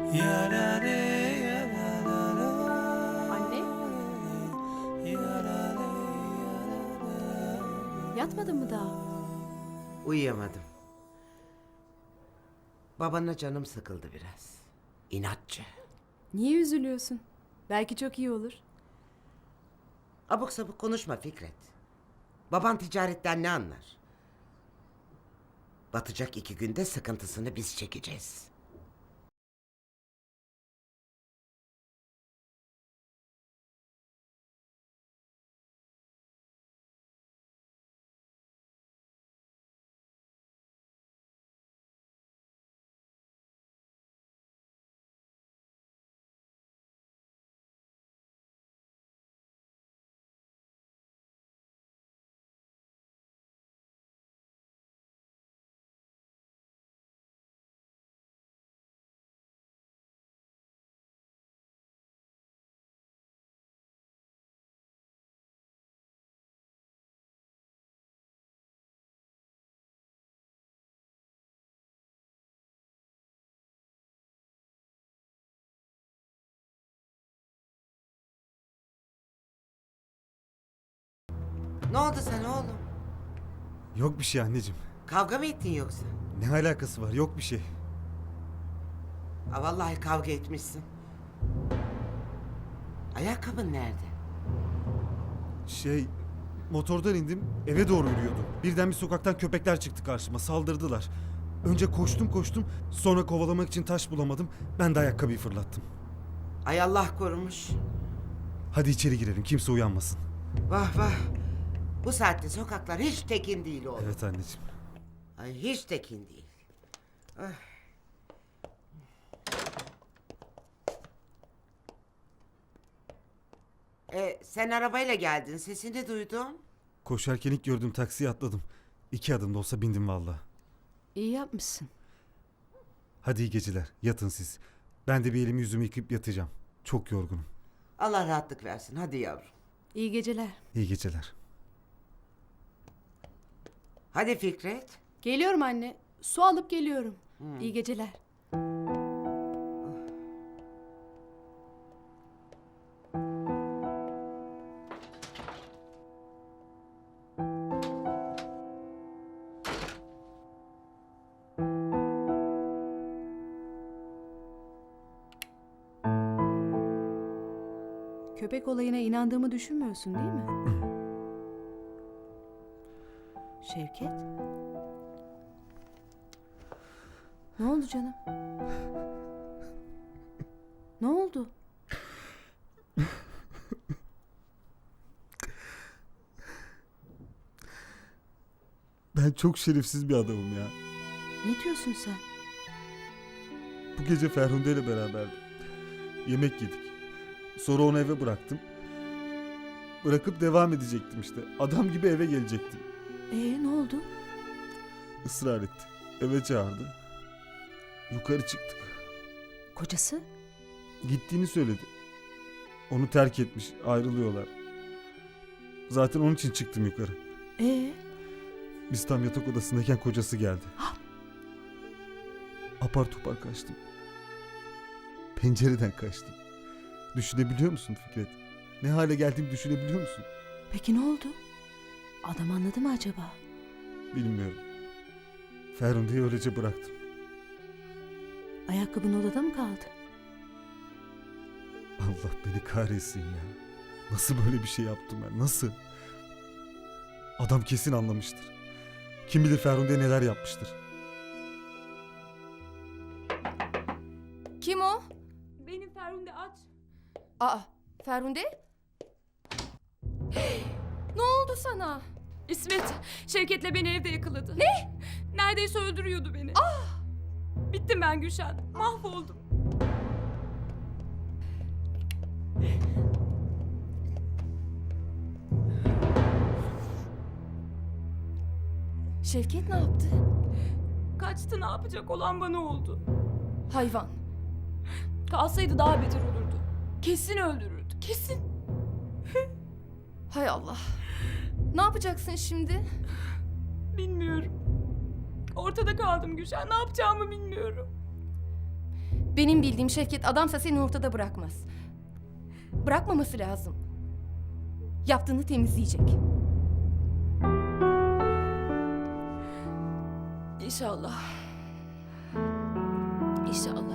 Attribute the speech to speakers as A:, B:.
A: Anne? Yatmadın mı daha?
B: Uyuyamadım. Babana canım sıkıldı biraz. İnatçı.
A: Niye üzülüyorsun? Belki çok iyi olur.
B: Abuk sabuk konuşma Fikret. Baban ticaretten ne anlar? Batacak 2 günde sıkıntısını biz çekeceğiz. Ne oldu sana oğlum?
C: Yok bir şey anneciğim.
B: Kavga mı ettin yoksa?
C: Ne alakası var? Yok bir şey.
B: Ha, vallahi kavga etmişsin. Ayakkabın nerede?
C: Motordan indim, eve doğru yürüyordum. Birden bir sokaktan köpekler çıktı karşıma, saldırdılar. Önce koştum, sonra kovalamak için taş bulamadım. Ben de ayakkabıyı fırlattım.
B: Ay Allah korumuş.
C: Hadi içeri girelim, kimse uyanmasın.
B: Vah vah. Bu saatte sokaklar hiç tekin değil oğlum.
C: Evet anneciğim.
B: Ay hiç tekin değil. Ah. Sen arabayla geldin. Sesini duydum.
C: Koşarken ilk gördüğüm taksiye atladım. 2 adım da olsa bindim valla.
A: İyi yapmışsın.
C: Hadi iyi geceler, yatın siz. Ben de bir elimi yüzümü yıkayıp yatacağım. Çok yorgunum.
B: Allah rahatlık versin. Hadi yavrum.
A: İyi geceler.
C: İyi geceler.
B: Hadi Fikret.
A: Geliyorum anne. Su alıp geliyorum. İyi geceler. Köpek olayına inandığımı düşünmüyorsun değil mi? Şevket? Ne oldu canım? Ne oldu?
C: Ben çok şerefsiz bir adamım ya.
A: Ne diyorsun sen?
C: Bu gece Ferhunde ile beraberdim. Yemek yedik. Sonra onu eve bıraktım. Bırakıp devam edecektim işte. Adam gibi eve gelecektim.
A: Ne oldu?
C: Israr etti. Eve çağırdı. Yukarı çıktık.
A: Kocası?
C: Gittiğini söyledi. Onu terk etmiş. Ayrılıyorlar. Zaten onun için çıktım yukarı.
A: Ee?
C: Biz tam yatak odasındayken kocası geldi. Apar topar kaçtım. Pencereden kaçtım. Düşünebiliyor musun Fikret? Ne hale geldiğimi düşünebiliyor musun?
A: Peki ne oldu? Adam anladı mı acaba?
C: Bilmiyorum. Ferhunde'yi öylece bıraktım.
A: Ayakkabın odada mı kaldı?
C: Allah beni kahretsin ya. Nasıl böyle bir şey yaptım ben? Nasıl? Adam kesin anlamıştır. Kim bilir Ferhunde'ye neler yapmıştır.
D: Kim o?
E: Benim Ferhunde aç.
D: Aa, Ferhunde? Ne oldu sana?
E: İsmet, Şevket'le beni evde yakaladı. Ne? Neredeyse öldürüyordu beni. Ah! Bittim ben Gülşen. Mahvoldum.
D: Şevket ne yaptı?
E: Kaçtı, ne yapacak, olan bana oldu.
D: Hayvan.
E: Kalsaydı daha beter olurdu. Kesin öldürürdü, kesin.
D: Hay Allah. Ne yapacaksın şimdi?
E: Bilmiyorum. Ortada kaldım Gülşen, ne yapacağımı bilmiyorum.
D: Benim bildiğim Şevket adamsa seni ortada bırakmaz. Bırakmaması lazım. Yaptığını temizleyecek.
E: İnşallah. İnşallah.